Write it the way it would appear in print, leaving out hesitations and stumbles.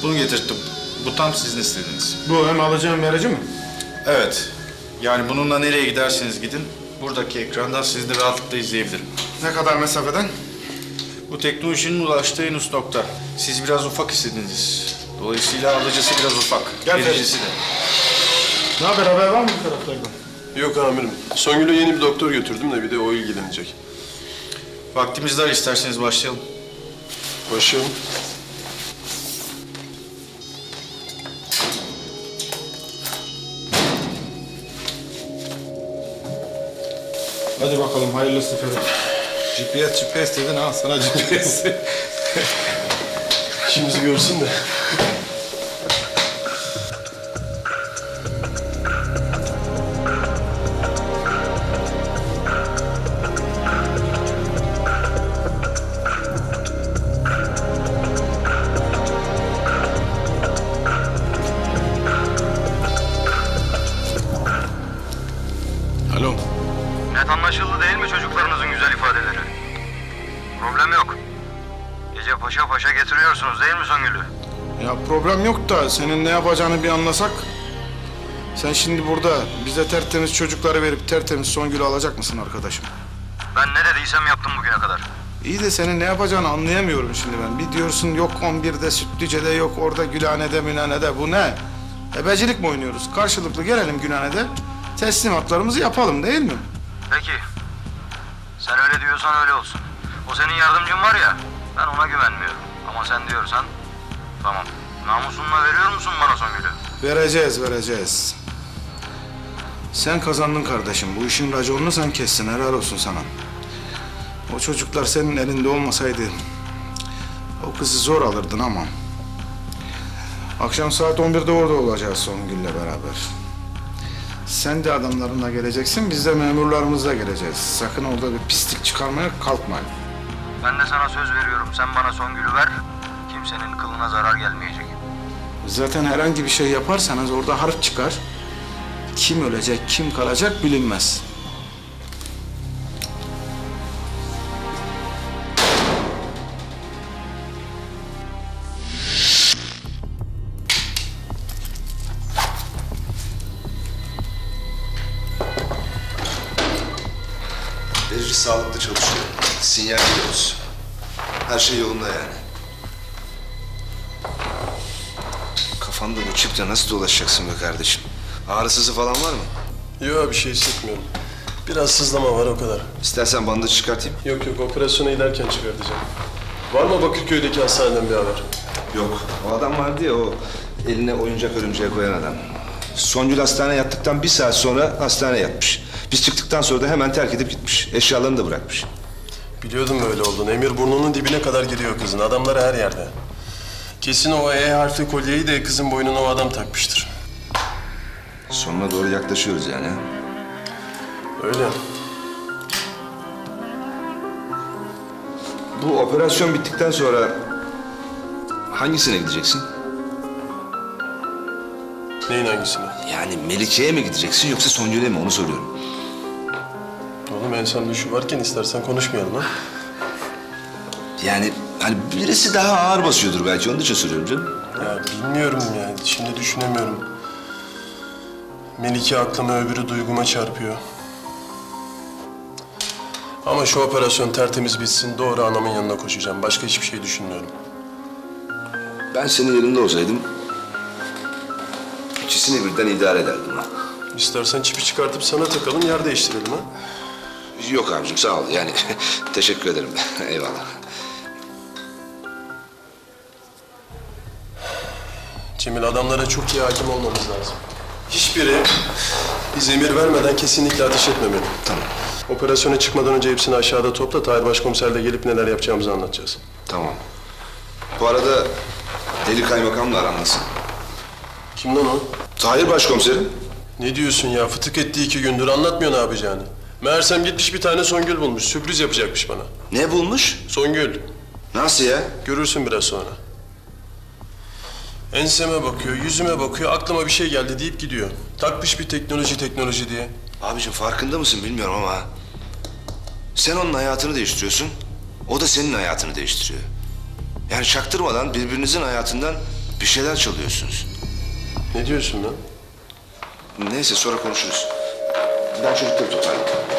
Bunu getirttim. Bu tam sizin istediğiniz. Bu hem alacağım verici mi? Evet. Yani bununla nereye giderseniz gidin, buradaki ekrandan sizi de rahatlıkla izleyebilirim. Ne kadar mesafeden? Bu teknolojinin ulaştığı en üst nokta. Siz biraz ufak istediniz. Dolayısıyla alıcısı biraz ufak. Gel Vericisi de. Ne haber var mı bu taraflardan? Yok amirim. Songül'e yeni bir doktor götürdüm de bir de o ilgilenecek. Vaktimiz dar, isterseniz başlayalım. Başım. Hadi bakalım hayırlısı Ferit. GPS dedin ha sana GPS. İşimizi görsün de. Alo. Net anlaşıldı değil mi çocuklarınızın güzel ifadeleri? Problem yok. Gece paşa paşa getiriyorsunuz değil mi Songül'ü? Ya problem yok da senin ne yapacağını bir anlasak. Sen şimdi burada bize tertemiz çocukları verip tertemiz Songül'ü alacak mısın arkadaşım? Ben ne dediysem yaptım bugüne kadar. İyi de senin ne yapacağını anlayamıyorum şimdi ben. Bir diyorsun yok 11'de Sütlüce'de, yok orada Gülhane'de Mülhane'de. Bu ne? Ebecilik mi oynuyoruz? Karşılıklı gelelim Gülhane'de, teslimatlarımızı yapalım değil mi? Peki. Sen öyle diyorsan öyle olsun. O senin yardımcın var ya, ben ona güvenmiyorum. Ama sen diyorsan, tamam. Namusunla veriyor musun bana Songül'ü? Vereceğiz. Sen kazandın kardeşim. Bu işin raconunu sen kessin. Helal olsun sana. O çocuklar senin elinde olmasaydı o kızı zor alırdın ama. Akşam saat 11'de orada olacağız Songül'le beraber. Sen de adamlarınla geleceksin, biz de memurlarımızla geleceğiz. Sakın orada bir pislik çıkarmaya kalkmayın. Ben de sana söz veriyorum, sen bana Songül'ü ver. Kimsenin kılına zarar gelmeyecek. Zaten herhangi bir şey yaparsanız orada harp çıkar. Kim ölecek, kim kalacak bilinmez. Verici sağlıklı çalışıyor. Sinyal veriyoruz. Her şey yolunda yani. Kafanda bu çiple nasıl dolaşacaksın be kardeşim? Ağrısızı falan var mı? Yok bir şey hissetmiyorum. Biraz sızlama var o kadar. İstersen bandı çıkartayım. Yok operasyona giderken çıkartacağım. Var mı Bakırköy'deki hastaneden bir haber? Yok. O adam vardı ya, o eline oyuncak örümceğe koyan adam. Songül hastaneye yattıktan bir saat sonra hastaneye yatmış. Biz çıktıktan sonra da hemen terk edip gitmiş. Eşyalarını da bırakmış. Biliyordum böyle olduğunu. Emir burnunun dibine kadar giriyor kızın. Adamları her yerde. Kesin o E harfli kolyeyi de kızın boynuna o adam takmıştır. Sonuna doğru yaklaşıyoruz yani. Öyle. Bu operasyon bittikten sonra hangisine gideceksin? Neyin hangisine? Yani Melike'ye mi gideceksin yoksa Songül'e mi, onu soruyorum. Oğlum insan düşü varken istersen konuşmayalım ha. Yani hani birisi daha ağır basıyordur belki, onun için soruyorum canım. Ya bilmiyorum yani. Şimdi düşünemiyorum. Melike aklıma, öbürü duyguma çarpıyor. Ama şu operasyon tertemiz bitsin, doğru anamın yanına koşacağım. Başka hiçbir şey düşünmüyorum. Ben senin yerinde olsaydım ikisini birden idare ederdim ha. İstersen çipi çıkartıp sana takalım, yer değiştirelim ha. Yok abicim, sağ ol yani. Teşekkür ederim. Eyvallah. Cemil, adamlara çok iyi hakim olmamız lazım. Hiçbiri biz emir vermeden kesinlikle ateş etmemeli. Tamam. Operasyona çıkmadan önce hepsini aşağıda topla. Tahir Başkomiserle gelip neler yapacağımızı anlatacağız. Tamam. Bu arada Deli Kaymakam'la aran nasıl? Kim lan o? Tahir Başkomiserim. Ne diyorsun ya? Fıtık etti 2 gündür. Anlatmıyor ne yapacağını. Meğersem gitmiş bir tane Songül bulmuş. Sürpriz yapacakmış bana. Ne bulmuş? Songül. Nasıl ya? Görürsün biraz sonra. Enseme bakıyor, yüzüme bakıyor, aklıma bir şey geldi deyip gidiyor. Takmış bir teknoloji diye. Abicim farkında mısın bilmiyorum ama sen onun hayatını değiştiriyorsun, o da senin hayatını değiştiriyor. Yani çaktırmadan birbirinizin hayatından Bir şeyler çalıyorsunuz. Ne diyorsun lan? Neyse sonra konuşuruz. Ben çocukları toparlayayım.